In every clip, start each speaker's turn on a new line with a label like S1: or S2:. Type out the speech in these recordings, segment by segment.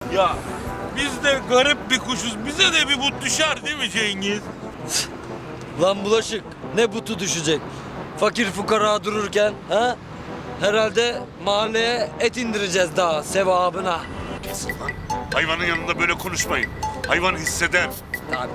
S1: Ya biz de garip bir kuşuz. Bize de bir but düşer değil mi Cengiz?
S2: Lan Bulaşık, ne butu düşecek? Fakir fukara dururken ha? Herhalde mahalleye et indireceğiz daha sevabına.
S3: Kesin lan. Hayvanın yanında böyle konuşmayın. Hayvan hisseder.
S2: Abi.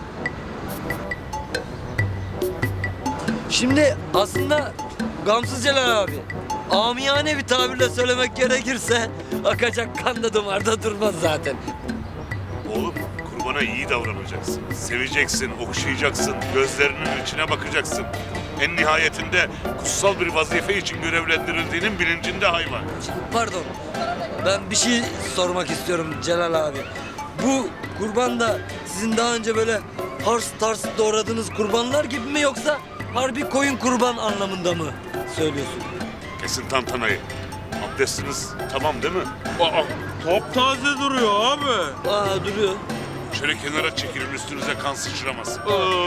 S2: Şimdi aslında gamsız Celal abi, amiyane bir tabirle söylemek gerekirse akacak kan da damarda durmaz zaten.
S3: Oğlum kurbana iyi davranacaksın. Seveceksin, okşayacaksın, gözlerinin içine bakacaksın. En nihayetinde kutsal bir vazife için görevlendirildiğinin bilincinde hayvan.
S2: Pardon, ben bir şey sormak istiyorum Celal abi. Bu kurban da sizin daha önce böyle hars tars doğradığınız kurbanlar gibi mi, yoksa harbi koyun kurban anlamında mı söylüyorsun?
S3: Kesin tantanayı. Abdestiniz tamam değil mi?
S1: Aa, taptaze duruyor abi.
S2: Aa, duruyor.
S3: Şöyle kenara çekilin, üstünüze kan sıçramasın.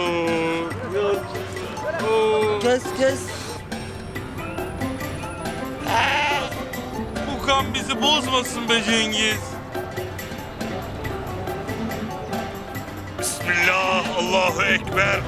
S2: Kes kes.
S1: Bu kan bizi bozmasın be Cengiz.
S3: Bismillah, Allahu Ekber.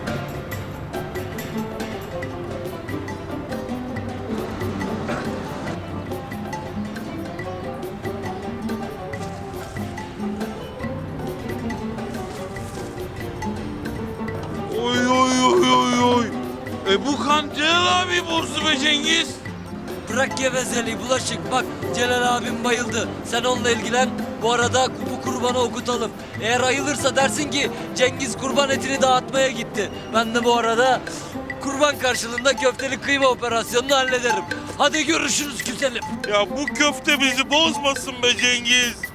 S1: Oy oy oy oy oy. Bu kan Celal abi bozdu be Cengiz.
S2: Bırak gevezeliği Bulaşık. Bak Celal abim bayıldı. Sen onunla ilgilen. Bu arada bu kurbanı okutalım. Eğer ayılırsa dersin ki Cengiz kurban etini dağıtmaya gitti. Ben de bu arada kurban karşılığında köfteli kıyma operasyonunu hallederim. Hadi görüşürüz güzelim.
S1: Ya bu köfte bizi bozmasın be Cengiz.